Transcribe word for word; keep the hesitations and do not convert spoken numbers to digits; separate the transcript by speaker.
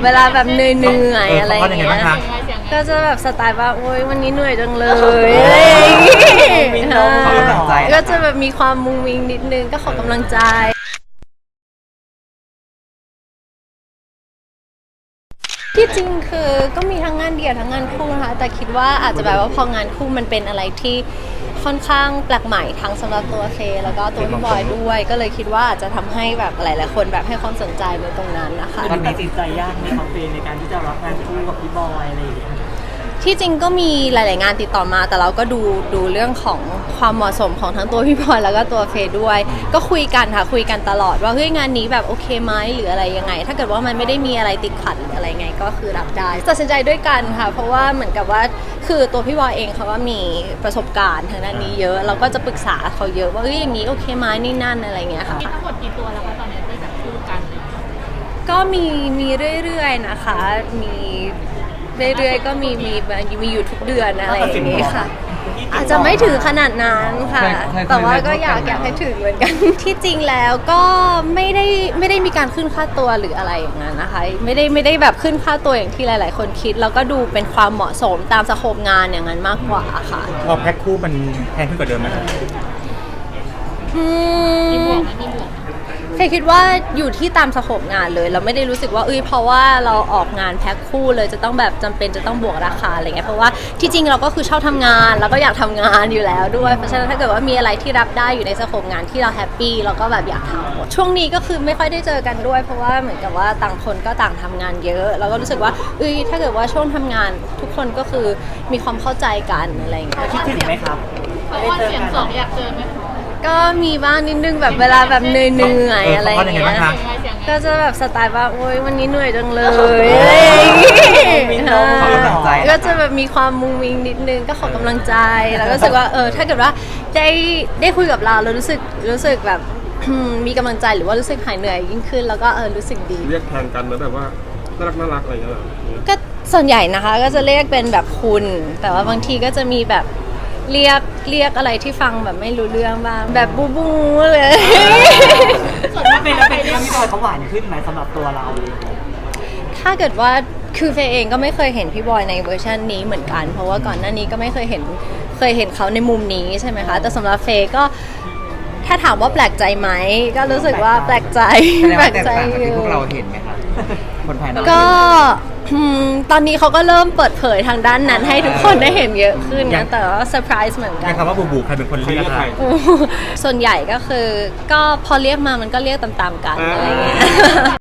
Speaker 1: เวลาแบบเหนื่อยๆอะไรอย่างเงี้ยก็จะแบบสไตล์ว่าโอ๊ยวันนี้เหนื่อยจังเลยอะไรอย่างเงี้ยก็จะแบบมีความมุงมิงนิดนึงก็ขอกำลังใจที่จริงคือก็มีทั้งงานเดี่ยวทั้งงานคู่นะคะแต่คิดว่าอาจจะแบบว่าพองานคู่มันเป็นอะไรที่ค่อนข้างแปลกใหม่ทั้งสำหรับตัวเฟย์แล้วก็ตัวพี่บอยด้วยก็เลยคิดว่าอาจจะทำให้แบบหลายๆคนแบบให้ความสนใจในตรงนั้นนะคะ
Speaker 2: มันตัดสินใจยากในคาเฟ่ในการที่จะรับงานคู่กับพี่บอยอะไรอย่างเงี้ย
Speaker 1: ที่จริงก็มีหลาย ๆงานติดต่อมาแต่เราก็ดูดูเรื่องของความเหมาะสมของทั้งตัวพี่บอยแล้วก็ตัวเฟย์ด้วยก็คุยกันค่ะคุยกันตลอดว่าเฮ้ยงานนี้แบบโอเคไหมหรืออะไรยังไงถ้าเกิดว่ามันไม่ได้มีอะไรติดขัดหรืออะไรไงก็คือรับได้ตัดสินใจด้วยกันค่ะเพราะว่าเหมือนกับว่าคือตัวพี่บอยเองเขาว่ามีประสบการณ์ทางด้านนี้เยอะเราก็จะปรึกษาเขาเยอะว่าเฮ้ยอย่างนี้โอเคไหมนี่นั่นอะไรเงี้ยค่ะ
Speaker 3: มีทั้งหมดกี่ตัวแล้วคะตอนนี้ที่แบบคู่กัน
Speaker 1: ก็มีมีเรื่อยๆนะคะมีเรื่อยๆก็มีมีมีอยู่ทุกเดือนอะไรอย่างนี้ค่ะอาจจะไม่ถึงขนาดนั้นค่ะแต่ว่าก็อยากอยากให้ถึงเหมือนกันที่จริงแล้วก็ไม่ได้ไม่ได้มีการขึ้นค่าตัวหรืออะไรอย่างนั้นนะคะไม่ได้ไม่ได้แบบขึ้นค่าตัวอย่างที่หลายๆคนคิดแล้วก็ดูเป็นความเหมาะสมตามสโคปงานอย่างนั้นมากกว่าค่ะ
Speaker 4: พอแพ็คคู่มันแพงขึ้นกว่าเดิมไหมครับ
Speaker 1: อื
Speaker 3: มีบว
Speaker 1: ม
Speaker 3: กไหมมีบวก
Speaker 1: เฟย์คิดว่าอยู่ที่ตามสโคปงานเลยเราไม่ได้รู้สึกว่าเอ้ยเพราะว่าเราออกงานแพ็คคู่เลยจะต้องแบบจำเป็นจะต้องบวกราคาอะไรเงี้ยเพราะว่าที่จริงเราก็คือชอบทำงานแล้วก็อยากทำงานอยู่แล้วด้วยเพราะฉะนั้นถ้าเกิดว่ามีอะไรที่รับได้อยู่ในสโคปงานที่เราแฮปปี้เราก็แบบอยากทำช่วงนี้ก็คือไม่ค่อยได้เจอกันด้วยเพราะว่าเหมือนกับว่าต่างคนก็ต่างทำงานเยอะเราก็รู้สึกว่าเอ้ยถ้าเกิดว่าช่วงทำงานทุกคนก็คือมีความเข้าใจกันอะไรเงี้ย
Speaker 2: คิดถึงไหมครับ
Speaker 3: เพราะว่าเสียงสองอยากเจอไหม
Speaker 1: ก็มีบ้างนิดนึงแบบเวลาแบบเหนื่อยๆอะไรอย่างเงี้ยก็จะแบบสไตล์ว่าโอ๊ยวันนี้เหนื่อยจังเลยอะไรอย่างเงี้ยก็จะแบบมีความมุงมิงนิดนึงก็ขอกำลังใจแล้วก็รู้สึกว่าเออถ้าเกิดว่าได้ได้คุยกับเราเรารู้สึกรู้สึกแบบมีกำลังใจหรือว่ารู้สึกหายเหนื่อยยิ่งขึ้นแล้วก็เออรู้สึกดี
Speaker 5: เรียกแทนกันนะแบบว่าน่ารักน่ารักอะไรอย่างเงี้ย
Speaker 1: ก็ส่วนใหญ่นะคะก็จะเรียกเป็นแบบคุณแต่ว่าบางทีก็จะมีแบบเรียกเรียกอะไรที่ฟังแบบไม่รู้เรื่องบ้างแบบบูบูเลย
Speaker 2: ส่วนมากเป็นแล้วเป็นที่พี่บอยเขาหวานขึ้นไหมสำหรับตัวเรา
Speaker 1: ถ้าเกิดว่าคือเฟย์เองก็ไม่เคยเห็นพี่บอยในเวอร์ชันนี้เหมือนกันเพราะว่าก่อนหน้านี้ก็ไม่เคยเห็นเคยเห็นเขาในมุมนี้ใช่ไหมคะแต่สำหรับเฟย์ก็ถ้าถามว่าแปลกใจไหมก็รู้สึกว่าแปลกใจ
Speaker 4: แปลกใจที่พวกเราเห็นไหมคะคนภายนอก
Speaker 1: ก็ตอนนี้เขาก็เริ่มเปิดเผยทางด้านนั้นให้ทุกคนได้เห็นเยอะขึ้นนะแต่ว่าเซอร์ไพรส์เหมือนกัน
Speaker 4: คำว่าบูบูใครเป็นคนเรียกใคร
Speaker 1: ส่วนใหญ่ก็คือก็พอเรียกมามันก็เรียกตามๆกันอะไรเงี้ย